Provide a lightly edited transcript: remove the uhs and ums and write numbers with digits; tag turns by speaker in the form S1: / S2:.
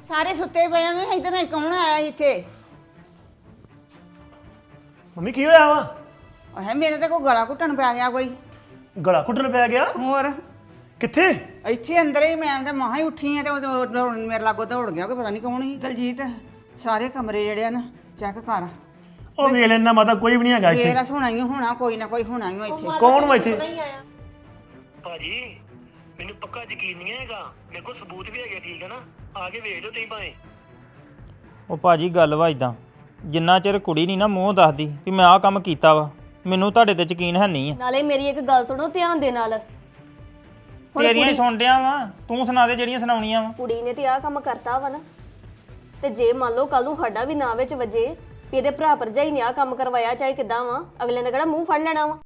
S1: ਸਾਰੇ ਸੁੱਤੇ ਪਏ ਨੇ ਇਧਰ ਕੌਣ ਆਇਆ ਸੀ ਇੱਥੇ?
S2: ਮੰਮੀ ਕੀ ਹੋਇਆ ਵਾ?
S1: ਹੈ ਮੇਰੇ ਤੇ ਕੋਈ ਗਲਾ ਘੁੱਟਣ ਪੈ ਗਿਆ ਕੋਈ।
S2: ਗਲਾ ਘੁੱਟਣ ਪੈ ਗਿਆ?
S1: ਹੋਰ
S2: ਕਿੱਥੇ?
S1: ਇੱਥੇ ਅੰਦਰ ਹੀ ਮੈਂ ਤਾਂ ਮਹਾ ਹੀ ਉੱਠੀ ਆ ਤੇ ਉਹ ਮੇਰੇ ਲਾਗੋਂ ਦੌੜ ਗਿਆ ਕੋਈ ਪਤਾ ਨਹੀਂ ਕੌਣ ਸੀ। ਦਲਜੀਤ ਸਾਰੇ ਕਮਰੇ ਜਿਹੜੇ ਆ ਨਾ ਚੈੱਕ ਕਰ।
S2: ਉਹ ਵੇਖ ਲੈਣਾ ਮਾਤਾ ਕੋਈ ਵੀ ਨਹੀਂ ਹੈਗਾ ਇੱਥੇ।
S1: ਮੇਰਾ ਹੋਣਾ ਹੀ ਹੋਣਾ, ਕੋਈ ਨਾ ਕੋਈ ਹੋਣਾ ਹੀ ਇੱਥੇ।
S2: ਕੌਣ ਵਾ ਇੱਥੇ?
S3: ਭਾਜੀ ਮੈਨੂੰ ਪੱਕਾ ਯਕੀਨ ਨਹੀਂ ਹੈਗਾ, ਮੇਰੇ ਕੋਲ ਸਬੂਤ ਵੀ ਹੈਗੇ, ਠੀਕ ਹੈ ਨਾ? ਆ ਕੇ ਵੇਖ ਲਓ ਤੁਸੀਂ ਭਾਵੇਂ।
S4: ਉਹ ਭਾਜੀ ਗੱਲ ਵਾ ਇਦਾਂ, ਜਿੰਨਾ ਚਿਰ ਕੁੜੀ ਨਹੀਂ ਨਾ ਮੂੰਹ ਦੱਸਦੀ ਵੀ ਮੈਂ ਆਹ ਕੰਮ ਕੀਤਾ ਵਾ, ਮੈਨੂੰ ਤੁਹਾਡੇ ਤੇ ਯਕੀਨ ਹੈ ਨਹੀਂ ਆ।
S5: ਨਾਲੇ ਮੇਰੀ ਇੱਕ ਗੱਲ ਸੁਣੋ ਧਿਆਨ ਦੇ ਨਾਲ।
S4: ਤੇਰੀਆਂ ਹੀ ਸੁਣ ਡਿਆ ਵਾ, ਤੂੰ ਸੁਣਾ ਦੇ ਜਿਹੜੀਆਂ ਸੁਣਾਉਣੀਆਂ ਵਾ।
S5: ਕੁੜੀ ਨੇ ਤੇ ਆਹ ਕੰਮ ਕਰਤਾ ਵਾ ਨਾ, ਤੇ ਜੇ ਮੰਨ ਲਓ ਕੱਲ ਨੂੰ ਸਾਡਾ ਵੀ ਨਾਂ ਵਿੱਚ ਵਜੇ ਵੀ ਇਹਦੇ ਭਰਾ ਭਰਜਾਈ ਨੇ ਆਹ ਕੰਮ ਕਰਵਾਇਆ ਚਾਹੇ ਕਿਦਾਂ ਵਾ, ਅਗਲੇ ਨੇ ਕਿਹੜਾ ਮੂੰਹ ਫੜ ਲੈਣਾ ਵਾ।